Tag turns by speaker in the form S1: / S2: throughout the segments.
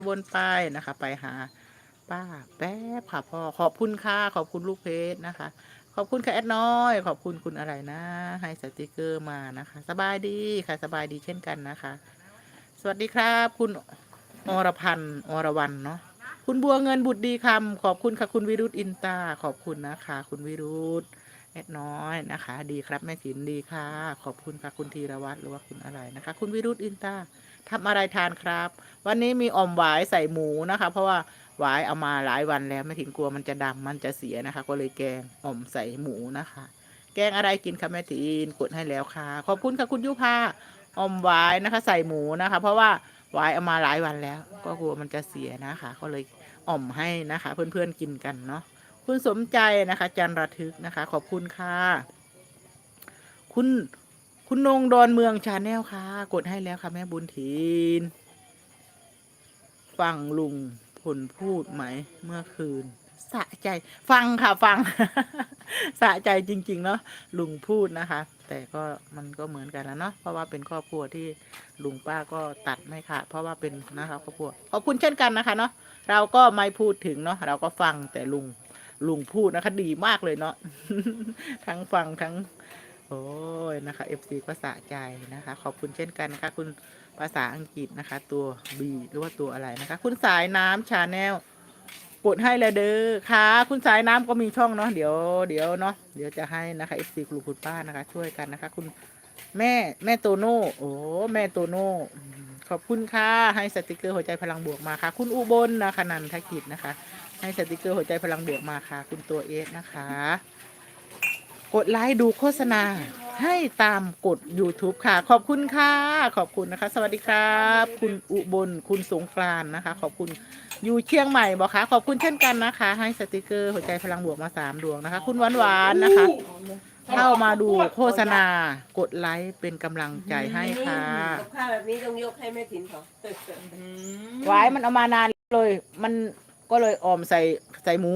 S1: วนไปนะคะไปหาป้าแป๊บค่ะพ่อขอบคุณค่ะขอบคุณลูกเพจนะคะขอบคุณค่ะแอดน้อยขอบคุณคุณอะไรนะ ให้สติกเกอร์มานะคะ สบายดีค่ะสบายดีเช่นกันนะคะ สวัสดีครับคุณอรพันธ์อรวรรณเนาะคุณบัวเงินบุตรดีคำขอบคุณค่ะคุณวิรุธอินตาขอบคุณนะคะคุณวิรุธแอดน้อยนะคะดีครับแม่ถินดีค่ะขอบคุณค่ะคุณธีรวัตรหรือว่าคุณอะไรนะคะคุณวิรุธอินตาทำอะไรทานครับวันนี้มีอ่อมหวายใส่หมูนะคะเพราะว่าหวายเอามาหลายวันแล้วแม่ถินกลัวมันจะดำมันจะเสียนะคะก็เลยแกงอ่อมใส่หมูนะคะแกงอะไรกินคะแม่ถินกดให้แล้วค่ะขอบคุณค่ะคุณยุพาอ่อมหวายนะคะใส่หมูนะคะเพราะว่าหวายเอามาหลายวันแล้วก็กลัวมันจะเสียนะคะก็เลยอ่อมให้นะคะเพื่อนๆกินกันเนาะคุณสมใจนะคะจันระทึกนะคะขอบคุณค่ะคุณคุณนงดอนเมืองชาแนลค่ะกดให้แล้วค่ะแม่บุญถีนฟังลุงพลพูดไหมเมื่อคืนสะใจฟังค่ะฟัง สะใจจริงๆเนาะลุงพูดนะคะ แต่ก็มันก็เหมือนกันแล้วเนาะเพราะว่าเป็นครอบครัวที่ลุงป้าก็ตัดไม่ขาดเพราะว่าเป็นนะคะครอบครัวขอบคุณเช่นกันนะคะเนาะเราก็ไม่พูดถึงเนาะเราก็ฟังแต่ลุงพูดนะคะดีมากเลยเนาะ ทั้งฟังทั้งโอ้ยนะคะFCก็สะใจนะคะขอบคุณเช่นกันนะคะคุณภาษาอังกฤษนะคะตัว B หรือว่าตัวอะไรนะคะคุณสายน้ำชาแนลกดให้เลยเด้อค่ะคุณสายน้ำก็มีช่องเนาะเดี๋ยวเนาะเดี๋ยวจะให้นะคะ FC กลุ่มคุณป้านะคะช่วยกันนะคะคุณแม่โตโน่โอ้แม่โตโน่ขอบคุณค่ะให้สติกเกอร์หัวใจพลังบวกมาค่ะคุณอุบลนะคะนันทกิจนะคะให้สติกเกอร์หัวใจพลังบวกมาค่ะคุณตัวเอสนะคะกดไลค์ดูโฆษณาให้ตามกด YouTube ค่ะขอบคุณค่ะขอบคุณนะคะสวัสดีครับคุณอุบลคุณสงกรานต์นะคะขอบคุณอยู่เชียงใหม่บอกค่ะขอบคุณเช่นกันนะคะให้สติกเกอร์หัวใจพลังบวกมา3 ดวงนะคะคุณหวานๆนะคะเข้ามาดูโฆษณากดไลค์เป็นกำลังใจให้ค่ะ
S2: กับข้าวแบบนี้ต้องยกให้แม่ถิ่นเขา
S1: หวายมันเอามานานเลยมันก็เลยออมใส่หมู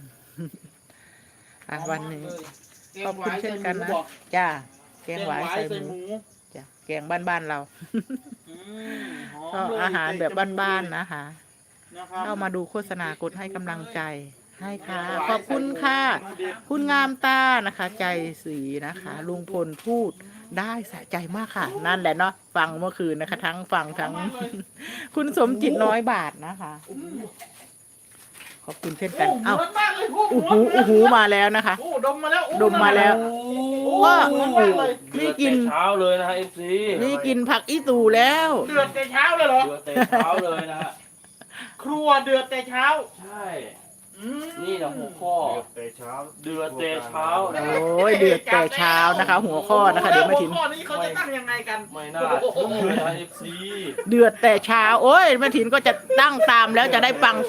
S1: อ่ะวันนี้ขอบคุณเช่นกันนะจ้าแกงหวายใส่หมูจ้ะแกงบ้านๆเราก็อาหารแบบบ้านๆนะคะเข้ามาดูโฆษณากดให้กำลังใจให้ค่ะขอบคุณค่ะคุณงามตานะคะ ใจสีนะคะลุงพลพูดได้สะใจมากค่ะ นั่นแหละเนาะฟังเมื่อคืนนะคะ ทั้งฟังทั้ง คุณสมจิตน้อยบาทนะคะขอบคุณเช่นกันเอ้าอู้หูมาแล้วนะคะ
S3: ดมมาแล้ว
S1: ดมมาแล้ว
S3: ก็
S1: นี่กิน
S4: เช้าเลยนะฮะ FC
S1: นี่กินผักอีตูแล้ว
S3: เดือดแต่เช้าเลยเหรอ
S4: เดือดแต่เช้าเลยนะฮะ
S3: ครัวเดือดแต่เช้า
S4: ใช่นี่นะหัวข้อ
S5: เดือดแต่เช้า
S4: เดือดแต่เช้านะ
S1: โอ้ยเดือดแต่เช้านะคะ หัวข้อนะคะ เดี๋ยวไม่ถึง
S3: หัวข้อนี้เขาจะตั้งยังไงกัน
S4: ไม่น่าเชื่อนะ FC
S1: เดือดแต่เช้า โอ้ยแม่ถินก็จะตั้งตามแล้วจะได้ฟัง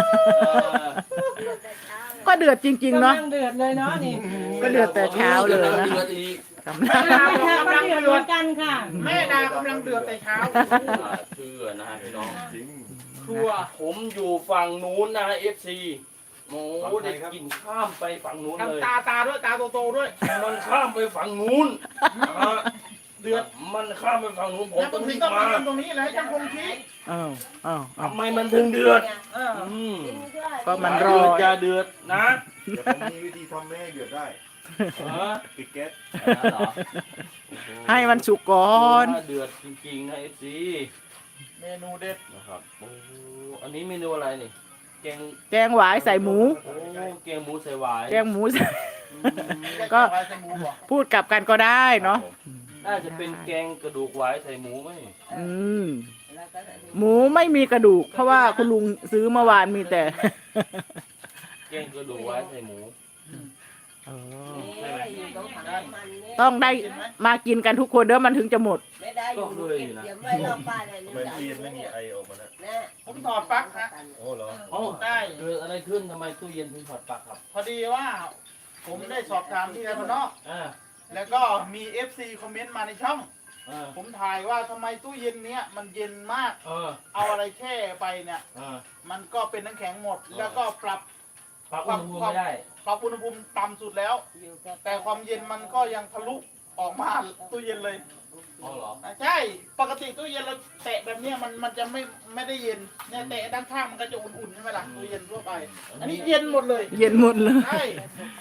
S1: ก็เดือดจริงๆเนาะ
S2: กำลังเดือดเลยเนาะนี่
S1: ก็เดือดแต่เช้าเลยนะ
S4: เดือ
S1: คะ
S4: ดอีก
S1: กำลัง
S2: กำลังเดือดเหมือนกันค่ะ
S3: แม่ดากำลังเดือดแต่เช้า
S4: เชื่อนะฮะพี่น้อง
S5: จริง
S3: ครัว
S4: ผมอยู่ฝั่งนู้นนะ FC โอ้ได้กินข้ามไปฝั่งนู้นเลย
S3: ทำตาด้วยตาโตๆด้วย
S4: มันข้ามไปฝั่งนู้นนะฮะ
S3: เดือด
S4: มันข้ามไปฝั่งนู้นผม
S3: แล้ว
S4: ต้
S3: ต้
S4: อ
S3: อง ง
S4: รีบ
S3: ต้อง
S4: มา
S3: มาตรงนี้เลยจังคงชี้
S1: อ้าวอ้าวอ้าว
S4: ทำไมมันถึงเดือด
S3: เออ
S1: ก็มันร
S4: เดื
S1: อ
S4: อดจะเดือดนะ
S5: เดี๋ยวผมมีวิธีทำให้เดือดได้
S4: เออ
S5: ปิดแก๊ส
S4: เหรอ
S1: ให้มันสุกก่อน
S4: เดือดจริงๆนะ FC
S3: เมนูเด็ด
S4: นะครับโอ้อันนี้เมนูอะไรนี่แกง
S1: แกงหวายใส่หมู
S4: โอ้แกงหมูใส่หวาย
S1: แกงหมูใส่
S4: อืม
S1: ก็
S3: ไว้ใส่หมูบอก
S1: พูดกลับกันก็ได้เนาะ
S4: น่าจะเป็นแกงกระดูกหวายใส่หมูไหม
S1: อืมหมูไม่มีกระดูก เพราะว่าคุณลุงซื้อเมื่อวานมีแต่
S4: แกงกระดูกหวายใส่หมู
S1: อ๋อ
S2: ต้องทำมันเนี่ย
S1: ต้องได้มากินกันทุกคนเด้อมันถึงจะหมด
S2: ไม่ได้อยู่เก็บไว้รอบบ้านเลย
S5: ทำไมตู้เย็นไม่มีไอออกมาแล้ว
S2: นะ
S3: ผมถอดปลั๊กฮะ
S5: โอ้เหรอ
S4: เอ้า
S3: ได้
S4: เกิดอะไรขึ้นทำไมตู้เย็นถึงถอดปลั๊กครับ
S3: พอดีว่า ผมได้สอบถามที่ไทยพนอก
S4: อ่า
S3: แล้วก็มี FC คอมเมนต์มาในช่อง
S4: อ่า
S3: ผมถ่ายว่าทำไมตู้เย็นเนี้ยมันเย็นมาก
S4: เออ
S3: เอาอะไรแช่ไปเนี่ย
S4: อ่า
S3: มันก็เป็นน้ำแข็งหมด แล้วก็ปรับ
S4: ปลั๊กอุณหภูมิไม่ได้
S3: อุณหภูมิต่ำสุดแล้ว
S2: อยู่กับ
S3: แต่ความเย็นมันก็ยังทะลุออกมาตู้เย็นเลย
S4: อ๋อเหรอ
S3: ใช่ปกติตู้เย็นเราแตะแบบเนี้ยมันจะไม่ได้เย็นเนี่ยแตะด้านข้างมันก็จะอุ่นๆใช่ไหมล่ะตู้เย็นทั่วไป อันนี้เย็นหมดเลย
S1: เย็นหมดเลย
S3: ใช่